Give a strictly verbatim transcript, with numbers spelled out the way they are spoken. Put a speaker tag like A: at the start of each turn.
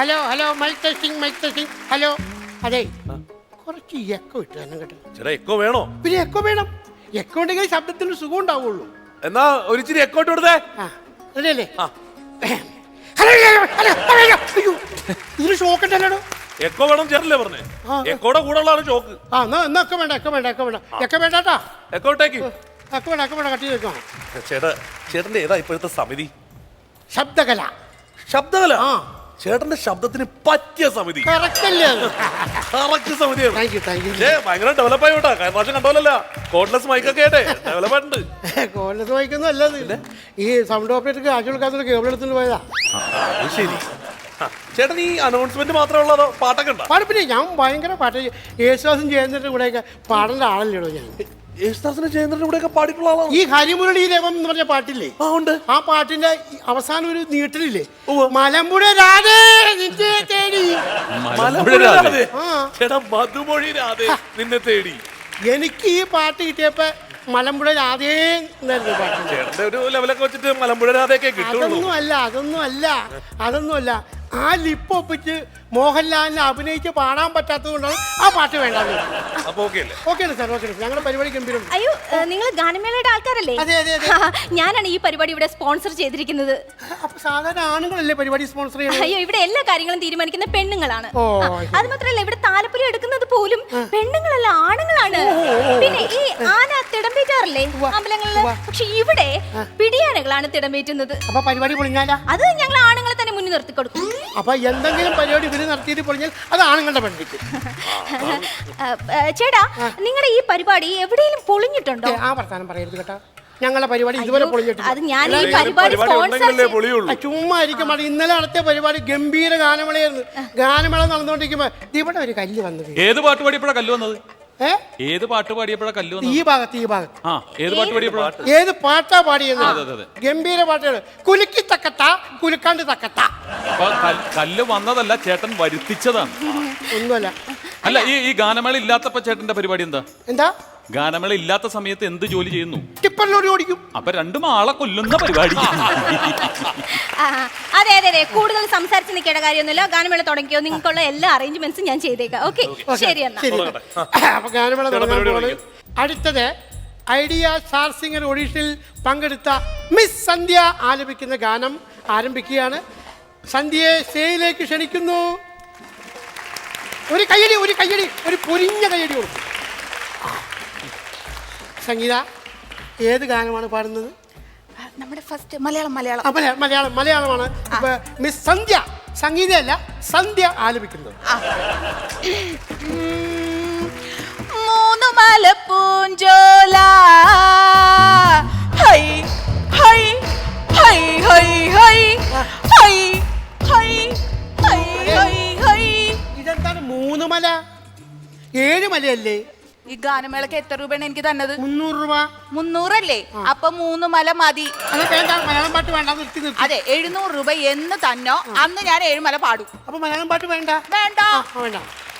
A: Hello hello mike testing mike testing hello. അതെ കുറച്ച് echo ഇട്ട് തന്നെ കേട്ടോ.
B: ചേട്ടാ എക്കോ വേണോ?
A: പിന്നെ എക്കോ വേണം. എക്കോ ഉണ്ടെങ്കിൽ ശബ്ദത്തിന് സുഖം ഉണ്ടാവുള്ളൂ.
B: എന്നാ ഒരിച്ചിരി എക്കോ ഇട്ട് കൊടുത്തേ.
A: ആ അതല്ലേ.
B: ആ
A: ഇതിന് ഷോക്ക് ഉണ്ടല്ലോ.
B: എക്കോ വേണം ചേട്ടല്ലേ പറഞ്ഞേ? എക്കോടെ കൂടെ ഉള്ളതാണ് ഷോക്ക്.
A: ആ എന്നാ എന്നാ ഒക്കെ വേണ്ട എക്കോ വേണ്ട എക്കോ വേണ്ട എക്കോ വേണ്ടാട്ടാ.
B: എക്കോ ഇട്ടേക്ക്.
A: എക്കോ വേണ്ട എക്കോ വേണ്ട കട്ടി വെക്കണം.
B: ചേട്ടാ ചേട്ടന്റെ ഏതാ ഇപ്പോഴത്തെ സമിതി?
A: ശബ്ദകല.
B: ശബ്ദകല?
A: ആ
B: ചേട്ടന്റെ ശബ്ദത്തിന് പറ്റിയ സമിതി.
A: കറക്റ്റ് അല്ലേ?
B: കറക്റ്റ് സമിതിയാണ്.
A: Thank you thank you.
B: ഭയങ്കര ഡെവലപ്പ് ആയിട്ടാ. കഴിഞ്ഞ പ്രാവശ്യം കണ്ടോലല്ല കോഡ്ലെസ് മൈക്കൊക്കെ ആയിട്ടെ ഡെവലപ്പ് ആയിട്ടുണ്ട്.
A: കോഡ്ലെസ് മൈക്കൊന്നും അല്ലത്. ഈ സൗണ്ട് ഓപ്പറേറ്റർക്ക് ആഴ്ച കൊടുക്കാത്ത കേബിൾ എടുത്തുകൊണ്ട് പോയതാ.
B: ശരി. ചേട്ടൻ ഈ അനൗൺസ്മെന്റ് മാത്രമേ ഉള്ളതോ പാട്ടൊക്കെ ഉണ്ടോ?
A: പാടിപ്പിന്നെ ഞാൻ ഭയങ്കര പാട്ട്. യേശുദാസും ജയന്തന്റെ കൂടെയൊക്കെ പാടേണ്ട ആളല്ലോ ഞാൻ.
B: യേശുദാസിന്റെ ജയന്തന്റെ കൂടെയൊക്കെ പാടിയിട്ടുള്ള ആളാണ്.
A: ഈ ഹരിമുരളീരവം എന്ന് പറഞ്ഞ പാട്ടില്ലേ?
B: ആ ഉണ്ട്.
A: ആ പാട്ടിന്റെ അവസാനം ഒരു നീട്ടലില്ലേ? മലമ്പുഴ രാധേ നിന്നെ തേടി.
B: ചേട്ടാ മധുമൊഴി രാധേ നിന്നെ തേടി.
A: എനിക്ക് ഈ പാട്ട് കിട്ടിയപ്പോ മലമ്പുഴ രാധേ എന്നായിരുന്നു പാട്ട്.
B: ചേട്ടന്റെ ഒരു ലെവലൊക്കെ വെച്ചിട്ട് മലമ്പുഴ രാധയൊക്കെ കിട്ടുള്ളൂ.
A: അതൊന്നും അല്ല അതൊന്നും അല്ല അതൊന്നും അല്ല ആ ലിപ്പ് ഒപ്പിച്ച് മോഹൻലാലിനെ അഭിനയിച്ച് പാടാൻ പറ്റാത്തത് കൊണ്ടാണ് ആ പാട്ട് വേണ്ടത്. Okay sir okay. ഞങ്ങളുടെ പരിപാടി ഗംഭീരം.
C: അയ്യോ നിങ്ങൾ ഗാനമേളയുടെ ആൾക്കാരല്ലേ?
A: അതെ അതെ അതെ.
C: ഞാനാണ് ഈ പരിപാടി ഇവിടെ സ്പോൺസർ ചെയ്തിരിക്കുന്നത്.
A: അപ്പൊ സാധാരണ ആണുങ്ങളല്ലേ പരിപാടി സ്പോൺസർ ചെയ്യുന്നത്?
C: അയ്യോ ഇവിടെ എല്ലാ കാര്യങ്ങളും തീരുമാനിക്കുന്ന പെണ്ണുങ്ങളാണ്.
A: ഓ
C: അത് മാത്രമല്ല ഇവിടെ താലപ്പൊലി എടുക്കുന്നത് പോലും പെണ്ണുങ്ങളല്ല ആണുങ്ങളാണ്. പിന്നെ ഈ ആന തിടമ്പേറ്റാറില്ലേ അമ്പലങ്ങളില്? പക്ഷെ ഇവിടെ പിടിയാനകളാണ് തിടമ്പേറ്റുന്നത്.
A: അപ്പൊ പരിപാടി പൊളിഞ്ഞാലാ?
C: അത് ഞങ്ങൾ ആണുങ്ങളെ തന്നെ മുന്നിൽ നിർത്തി കൊടുക്കും.
A: അപ്പൊ എന്തെങ്കിലും പരിപാടി ഇവര് നടത്തിയിട്ട് പൊളിഞ്ഞാൽ അത് ആണുങ്ങളുടെ പരിപാടിക്ക്.
C: ചേട്ടാ നിങ്ങളുടെ ഈ പരിപാടി എവിടെയെങ്കിലും പൊളിഞ്ഞിട്ടുണ്ടോ?
A: ആ വർത്താനം പറയരുത് കേട്ടാ. ഞങ്ങളുടെ പരിപാടി ഇതുവരെ പൊളിഞ്ഞിട്ടില്ല.
C: അത് ഞാൻ ഈ പരിപാടി സ്പോൺസർ
A: ചുമ്മാ ഇരിക്കും. ഇന്നലെ നടത്തിയ പരിപാടി ഗംഭീര ഗാനമേളയായിരുന്നു. ഗാനമേള നടന്നുകൊണ്ടിരിക്കുമ്പോ ഇവിടെ ഒരു കല്ല് വന്നത്.
D: ഏത് പാട്ട് പാടിയപ്പോഴാ കല്ല് വന്നത്? ഏത് പാട്ട് പാടിയപ്പോഴാ കല്ല് വന്നത്?
A: ഈ ഭാഗത്ത് ഈ ഭാഗത്ത്.
D: ആ ഏത് പാട്ട് പാടിയപ്പോഴാ?
A: ഏത് പാട്ടാ പാടിയത്? ഗംഭീര പാട്ടുകൾ. കുലുക്കി തക്കത്ത കുലുക്കാണ്ട് തക്കത്ത.
D: അപ്പൊ കല്ല് വന്നതല്ല, ചേട്ടൻ വരുത്തിച്ചതാണ്.
A: ഒന്നുമല്ല.
D: അല്ല ഈ ഈ ഗാനമേള ഇല്ലാത്തപ്പോ ചേട്ടന്റെ പരിപാടി എന്താ?
A: എന്താ
D: ഗാനമേള ഇല്ലാത്ത സമയത്ത് എന്ത് ജോലി ചെയ്യുന്നു?
A: ടിപ്പറിലോട് ഓടിക്കും.
D: അപ്പൊ രണ്ടും ആളെ കൊല്ലുന്ന പരിപാടി.
C: അതെ അതെ അതെ കൂടുതൽ സംസാരിച്ച് നിൽക്കേണ്ട കാര്യമൊന്നുമില്ല. ഗാനമേള തുടങ്ങിയോ? നിങ്ങൾക്കുള്ള എല്ലാ അറേഞ്ച്മെന്റ്സും ഞാൻ ചെയ്തേക്കാം. ഓക്കെ ശരി എന്നാ.
A: അപ്പൊ ഗാനമേള തുടങ്ങാൻ. അടുത്തത് ഐഡിയ സ്റ്റാർ സിംഗർ ഓഡീഷനിൽ പങ്കെടുത്ത മിസ് സന്ധ്യ ആലപിക്കുന്ന ഗാനം ആരംഭിക്കുകയാണ്. സന്ധ്യയെ സ്റ്റേജിലേക്ക് ക്ഷണിക്കുന്നു. ഒരു കയ്യടി ഒരു കയ്യടി ഒരു പൊരിഞ്ഞ കയ്യടി കൊടുക്കും. സംഗീത ഏത് ഗാനമാണ് പാടുന്നത്?
C: നമ്മുടെ ഫസ്റ്റ് മലയാളം മലയാളം
A: മലയാളം മലയാളമാണ്. മിസ് സന്ധ്യ സംഗീതയല്ല സന്ധ്യ ആലപിക്കുന്നത്.
E: മൂന്നു മലപ്പൂഞ്ചോല ഹൈ ഹൈ ഹൈ ഹൈ ഹൈ ഹൈ ഹൈ ഹൈ ഹൈ ഹൈ.
A: ഇതെന്താണ് മൂന്ന് മല? ഏഴ് മലയല്ലേ?
E: ഈ ഗാനമേളക്ക് എത്ര രൂപയാണ് എനിക്ക് തന്നത്?
A: മുന്നൂറ് രൂപ.
E: മുന്നൂറല്ലേ? അപ്പൊ മൂന്ന് മല മതി.
A: മലയാളം പാട്ട് വേണ്ട നിർത്തി നിർത്തി.
E: അതെ എഴുന്നൂറ് രൂപ എന്ന് തന്നോ അന്ന് ഞാൻ ഏഴുമല പാടും.
A: അപ്പൊ മലയാളം പാട്ട് വേണ്ട?
E: വേണ്ട
A: വേണ്ട.